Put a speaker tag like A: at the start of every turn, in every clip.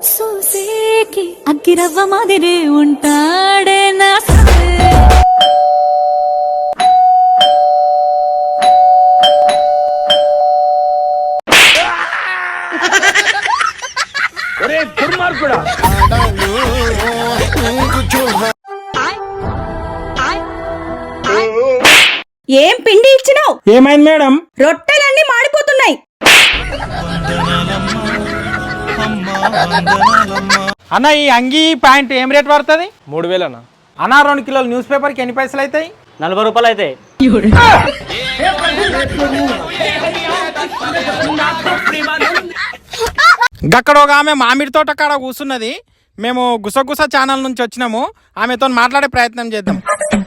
A: సూసేకి అగ్గిరవ్వ మాదిరి ఉంటాడే నా
B: ఏం పిండి ఇచ్చినావు?
C: ఏమైంది మేడం?
B: రొట్టెలన్నీ మాడిపోతున్నాయి.
C: అన్న ఈ అంగీ ప్యాంట్ ఏం రేట్ పడుతుంది?
D: 3000 అన్న.
C: అన్న 2 కిలోల న్యూస్ పేపర్కి ఎన్ని పైసలు అవుతాయి?
D: 40 రూపాయలు అవుతాయి.
C: గక్కడ ఒక ఆమె మామిడి తోట కాడ కూర్చున్నది. మేము గుసగుస ఛానల్ నుంచి వచ్చినాము. ఆమెతో మాట్లాడే ప్రయత్నం చేద్దాం.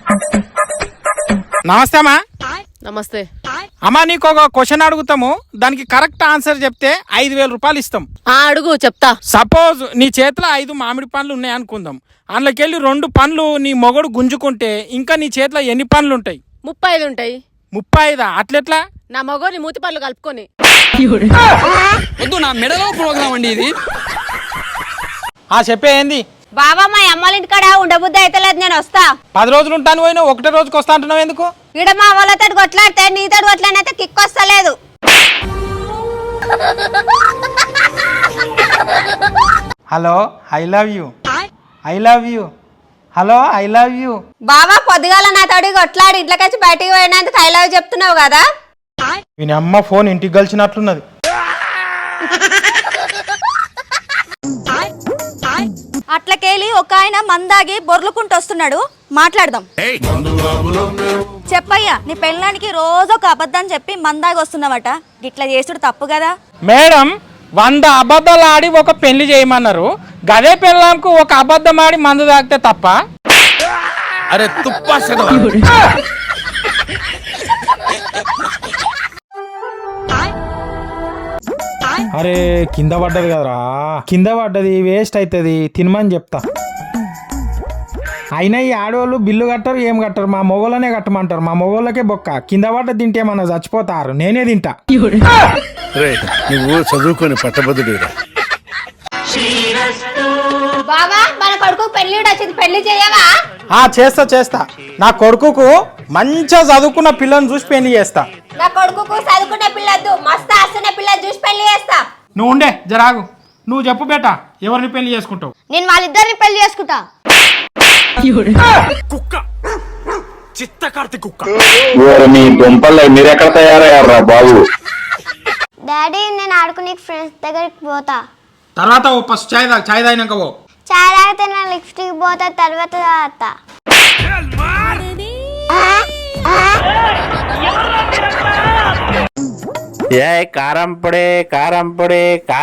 C: నమస్తే అమ్మా.
E: నమస్తే
C: అమ్మా, నీకు ఒక క్వశ్చన్ అడుగుతాము, దానికి కరెక్ట్ ఆన్సర్ చెప్తే 5000 రూపాయలు ఇస్తాం.
E: అడుగు, చెప్తా.
C: సపోజ్ నీ చేతిలో 5 మామిడి పండ్లు ఉన్నాయి అనుకుందాం. అందులోకెళ్ళి 2 పండ్లు నీ మొగడు గుంజుకుంటే ఇంకా నీ చేతిలో ఎన్ని పండ్లు ఉంటాయి?
E: 35 ఉంటాయి.
C: 35? అట్లెట్లా?
E: నా మొగోని మూతి పళ్ళు కలుపుకొని.
D: వద్దు, నా మెడలో ప్రోగ్రామ్ అండి ఇది.
C: చెప్పే ఏంది?
F: బాబా మా అమ్మాళ్ళ ఇంటికాడ ఉండబుద్ధి అయితే లేదు, నేను వస్తా.
C: 10 రోజులు ఉంటాను పోయినా, ఒకటే రోజుకి వస్తా అంటున్నావు ఎందుకు?
F: ఈడ మా వాళ్ళతో కొట్లాడితే నీతో కొట్లాడినైతే కిక్ వస్తలేదు.
C: Hello, I love you. I love you. Hello, I love you.
F: బాబా పొద్దుగాల నా తోడి కొట్లాడి ఇంట్లోకి బయటికి పోయినందుకు ఐ లవ్ చెప్తున్నావు కదా.
C: వీని అమ్మ ఫోన్ ఇంటికి కలిసినట్లున్నది.
B: అట్లకేలి ఒక ఆయన మందాగి బొర్లుకుంటూ వస్తున్నాడు, మాట్లాడదాం. చెప్పయ్యా, నీ పెళ్ళానికి రోజు ఒక అబద్ధం చెప్పి మందాగి వస్తున్నావట, గిట్లా చేసుడు తప్పు కదా?
C: మేడం, 100 అబద్ధాలు ఆడి ఒక పెళ్లి చేయమన్నారు. గదే పెళ్ళాంకు ఒక అబద్ధం ఆడి మందు తాగితే తప్ప?
D: అరే తుప్పా.
C: అరే కింద పడ్డది కదరా, కింద పడ్డది వేస్ట్ అవుతుంది, తినమని చెప్తా. అయినా ఈ ఆడవాళ్ళు బిల్లు కట్టరు, ఏం కట్టరు, మా మొగోళ్ళనే కట్టమంటారు. మా మొగోళ్ళకే బొక్క. కింద పడ్డ తింటే మన చచ్చిపోతారు, నేనే తింటా.
G: నువ్వు చదువుకొని పట్టబద్దుడురా.
F: బాబా మన కొడుకు పెళ్లి వచ్చింది, పెళ్లి చేయవా?
C: చేస్తా. నా కొడుకుకు మంచిగా చదువుకున్న పిల్లని చూసి పెళ్లి చేస్తా.
F: నా కొడుకు చదువుకునే పిల్లద్దు, మస్తు ఆస్తున్న పిల్లని చూసి పెళ్లి చేస్తా.
C: నువ్వు ఉండే జరాగు. నువ్వు చెప్పు బేటా, ఎవరిని పెళ్లి చేసుకుంటావు?
F: నేను వాళ్ళిద్దరిని పెళ్లి చేసుకుంటా.
D: కుక్క, చిత్త కార్తీ కుక్క.
H: మీ దుంపల్లో మీరెక్కడ తయారయ్యారా బాబు?
F: డాడీ, నేను ఆడుకునే ఫ్రెండ్స్ దగ్గరికి పోతా.
C: తర్వాత ఫస్ట్ చాయ్ తాగినాక పో.
F: చాయ్ తాగితే నా లిప్స్టిక్ పోతా, తర్వాత తాగుతా.
H: ఏ కారం పొడి
F: ఏ కారం పొడి?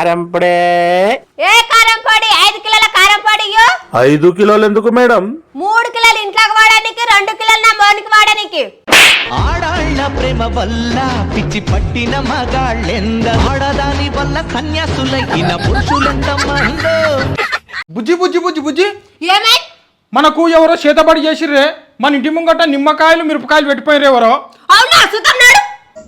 F: 5 కిలోల కారం పొడి.
G: 5 కిలోలు ఎందుకు మేడం?
F: 3 కిలోలు ఇంట్లోకి వాడడానికి, 2 కిలోలు నా మోనికి వాడడానికి.
I: ఆడాళ్ళ ప్రేమ వల్ల పిచ్చి పట్టిన మగాళ్ళెంద, ఆడదాని వల్ల కన్యాసులైన పురుషులెంత మందో.
C: బుజ్జి
F: ఏమై
C: మనకు ఎవరో చేతబడి చేసిర్రే, మన ఇంటి ముంగట నిమ్మకాయలు మిరపకాయలు పెట్టిపోయారు ఎవరో.
F: అవునా? సుతన్నాడు.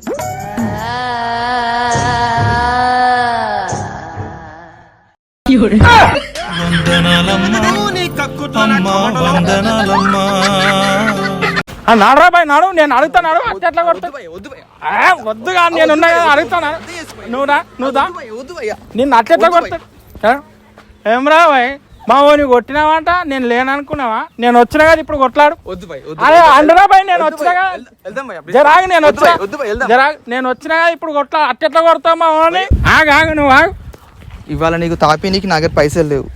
C: నాడరా బాయ్, నాడు. నేను అడుగుతాను, అట్లా వద్దుగా, నేను ఉన్నా కదా, అడుగుతాను. నువ్వు దా. నిన్ను అట్లెట్లా కొడతా? ఏమరా బాయ్, మా ఓని కొట్టినావాట, నేను లేననుకున్నావా? నేను వచ్చినా కదా ఇప్పుడు కొట్లాడు. అరే అండరా బాయ్, నేను వచ్చినా కదా, జరాగు. నేను వచ్చినా కదా ఇప్పుడు కొట్లా. అట్టెట్లా కొడతావు మా ఓని? ఆగు, నువ్వు ఆగు.
J: ఇవాళ నీకు తాపి, నీకు నా దగ్గర పైసలు లేవు.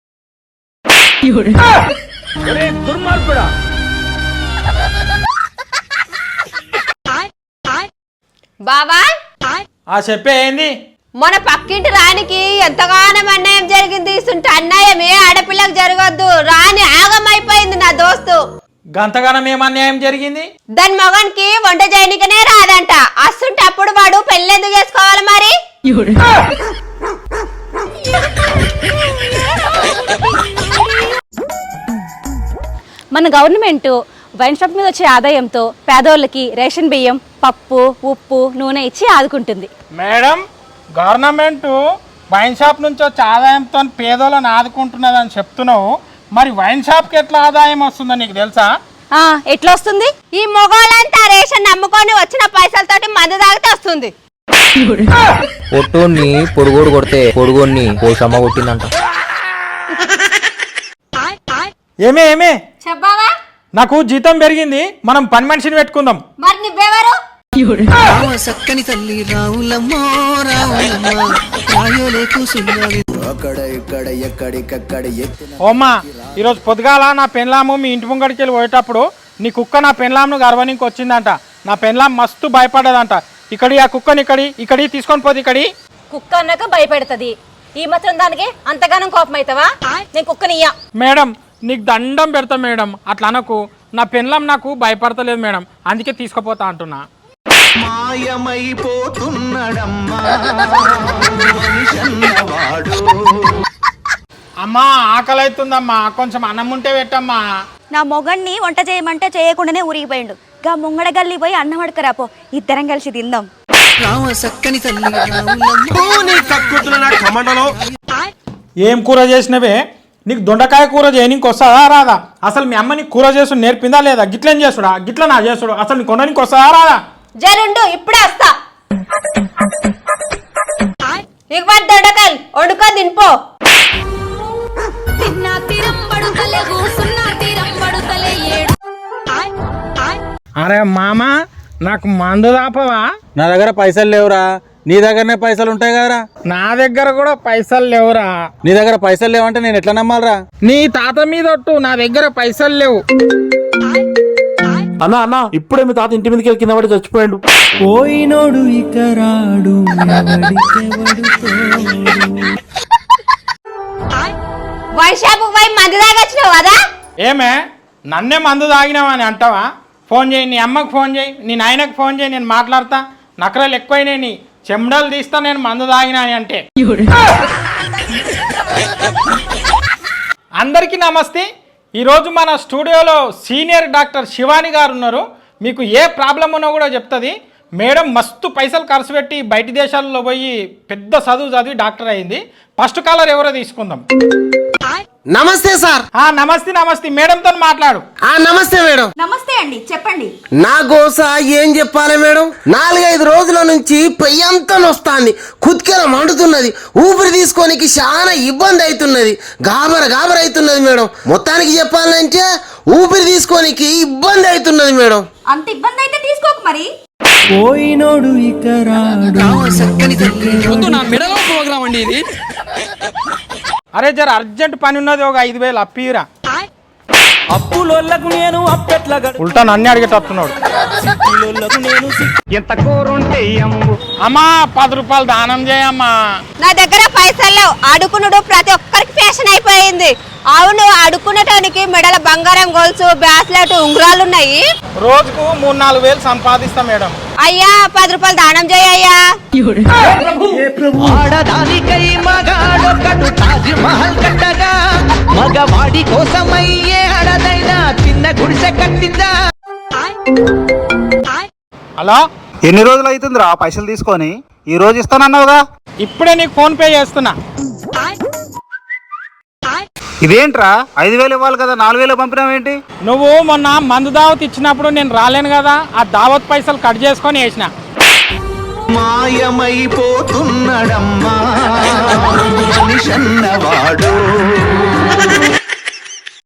F: బాబా,
C: చెప్పే ఏంది?
F: మన పక్కింటి రానికి ఎంతగానో అన్యాయం జరిగింది. అన్యాయం ఏ ఆడపిల్లకు జరగద్దు. రాని ఆగమైపోయింది నా దోస్తు.
C: గంతగానం ఏం అన్యాయం జరిగింది?
F: దాని మగనికి వంట చేయనికనే రాదంట. అస్తుంటే అప్పుడు వాడు పెళ్లి ఎందుకు చేసుకోవాలి మరి?
B: మన గవర్నమెంట్ వైన్ షాప్ మీద వచ్చే ఆదాయంతో పేదోళ్ళకి రేషన్ బియ్యం, పప్పు, ఉప్పు, నూనె ఇచ్చి ఆదుకుంటుంది.
C: మేడం, గవర్నమెంట్ వైన్ షాప్ నుంచి వచ్చే ఆదాయంతో పేదోళ్ళని ఆదుకుంటున్నదని చెప్తున్నావు, మరి వైన్ షాప్కి ఎట్లా ఆదాయం వస్తుందో నీకు తెలుసా?
B: ఎట్లా వస్తుంది?
F: ఈ మొగోళ్ళంతా రేషన్ నమ్ముకొని వచ్చిన పైసలతోటి మందు తాగితే వస్తుంది.
J: పొట్టోన్ని పొడుగోడు కొడితే పొడుగోన్ని పోషమ్మ కొట్టిందంట.
C: ఏమే
F: చెప్పావా?
C: నాకు జీతం పెరిగింది, మనం పని మనిషిని పెట్టుకుందాం.
F: మరి నువ్వెవరు?
I: సక్కని తల్లి రావులమ్మో రావులమ్మో రాయోలే కూసున్నది.
C: ఓమ్మా, ఈరోజు పొద్దుగాల నా పెన్లాము మీ ఇంటి ముంగడికి వెళ్ళి పోయేటప్పుడు నీ కుక్క నా పెన్లాంను గర్వనికి వచ్చిందంట. నా పెన్లాం మస్తు భయపడ్డదంట. ఇక్కడి ఆ కుక్కని ఇక్కడి తీసుకొని పోతే ఇక్కడి.
B: కుక్క అన్నాక భయపెడుతుంది, ఈ మాత్రం దానికి అంతగానం కోపం అవుతావా? నేను కుక్కనియ్యా.
C: మేడం నీకు దండం పెడతా మేడం, అట్లా అనకు. నా పెన్లాం నాకు భయపడతలేదు మేడం, అందుకే తీసుకుపోతా అంటున్నా.
I: మాయమైపోతున్నడమ్మా మనిషన్నవాడు.
C: అమ్మా ఆకలి అవుతుందమ్మా, కొంచెం అన్నం ఉంటే పెట్టమ్మా.
B: నా మొగన్ని వంట చేయమంటే చేయకుండానే ఊరిగిపోయిండు. గా ముంగడ గల్లి పోయి అన్నం అడకరాపో, ఇద్దరం కలిసి తిందాం.
I: రావ సక్కని తల్లి రావులమ్మో.
C: ఏం కూర చేసినవే? నీకు దొండకాయ కూర చేయనీకి వస్తుందా రాదా? అసలు మీ అమ్మ నీకు కూర చేసుడు నేర్పిందా లేదా? గిట్లేం చేసుడా, గిట్ల నా చేసుడు, అసలు నీకు కొనడానికి వస్తుందా రాదా?
F: జరుండు, ఇప్పుడే వస్తా. ఇవ్వడు దొండకాయలు వండుకొని తినిపో.
C: అరే మామ, నాకు మందు దాపవా?
J: నా దగ్గర పైసలు లేవురా, నీ దగ్గరనే పైసలు ఉంటాయి కదరా.
C: నా దగ్గర కూడా పైసలు లేవురా.
J: నీ దగ్గర పైసలు లేవంటే నేను ఎట్లా నమ్మాలరా?
C: నీ తాత మీద ఒట్టు, నా దగ్గర పైసలు లేవు.
G: అన్న ఇప్పుడే మీ తాత ఇంటి మీదకి వెళ్ళి కింద పడి చచ్చిపోయాడు.
I: పోయినోడు ఇక రాడు.
F: వైన్ షాప్ పోయి మందు తాగొచ్చినావు కదా?
C: ఏమే నన్నే మందు తాగినావా అని అంటావా? ఫోన్ చేయి, నీ అమ్మకు ఫోన్ చేయి, నీ నాయనకు ఫోన్ చేయి, నేను మాట్లాడతా. నకరాలు ఎక్కువైనాయి, నీ చెమడలు తీస్తా నేను మందు తాగినా అని అంటే. అందరికీ నమస్తే. ఈరోజు మన స్టూడియోలో సీనియర్ డాక్టర్ శివాని గారు ఉన్నారు. మీకు ఏ ప్రాబ్లం ఉన్నా కూడా చెప్తుంది. మేడం మస్తు పైసలు ఖర్చు పెట్టి బయట దేశాల్లో పోయి పెద్ద చదువు చదివి డాక్టర్ అయింది. ఫస్ట్ కాలర్ ఎవరో తీసుకుందాం.
I: నమస్తే సార్.
C: నమస్తే మేడంతో మాట్లాడు.
I: నమస్తే మేడం.
B: నమస్తే అండి, చెప్పండి.
I: నా గోస ఏం చెప్పాలి మేడం? 4-5 రోజుల నుంచి పెయ్యంతా నొస్తాంది, కుత్కెల మండుతున్నది, ఊపిరి తీసుకోనికి చాలా ఇబ్బంది అవుతున్నది, గాబర అవుతున్నది మేడం. మొత్తానికి చెప్పాలంటే ఊపిరి తీసుకోనికి ఇబ్బంది అవుతున్నది మేడం.
B: అంత ఇబ్బంది అయితే తీసుకోకు మరి.
I: పోయినోడు ఇక రాడు.
D: వద్దు, నా మెడలో ప్రోగ్రామ్ అండి ఇది.
C: అరే జర అర్జెంట్ పని ఉన్నది, ఒక 5,000 అప్పిరా.
I: అప్పులోళ్ళకు నేను అప్పెట్ల
C: ఉల్టా నన్ను అడిగేటట్టున్నాడు.
I: ఎంత కూరుంటే
C: అమ్మా 10 రూపాయలు దానం చేయమ్మా.
F: నా దగ్గర పైసలు లేవు. అడుకునుడు ప్రతి ఒక్కరికి ఫ్యాషన్ అయిపోయింది. అవును, అడుక్కునేటానికి మెడల బంగారం గొలుసు, బ్రాస్లెట్, ఉంగరాలు ఉన్నాయి.
C: రోజుకు 3-4 వేలు సంపాదిస్తా మేడం.
F: అయ్యా 10 రూపాయలు దానం చేయయ్యా.
I: ఆడదానికై మగాడొక్కడు తాజ్ మహల్ కట్టగా, మగవాడి కోసమయ్యే ఆడదైనా చిన్న గుడిసె కట్టిందా.
C: హలో,
J: ఎన్ని రోజులు అవుతుందిరా పైసలు తీసుకొని? ఈ రోజు ఇస్తానన్నావుగా.
C: ఇప్పుడే నీకు ఫోన్ పే చేస్తున్నా.
J: ఇదేంట్రా 5,000 ఇవ్వాలి కదా, 4,000 పంపినావేంటి?
C: నువ్వు మొన్న మందు దావత్ ఇచ్చినప్పుడు నేను రాలేను కదా, ఆ దావత్ పైసలు కట్ చేసుకొని వేసిన.
I: మాయమైపోతున్నడమ్మా మనిషన్నవాడు.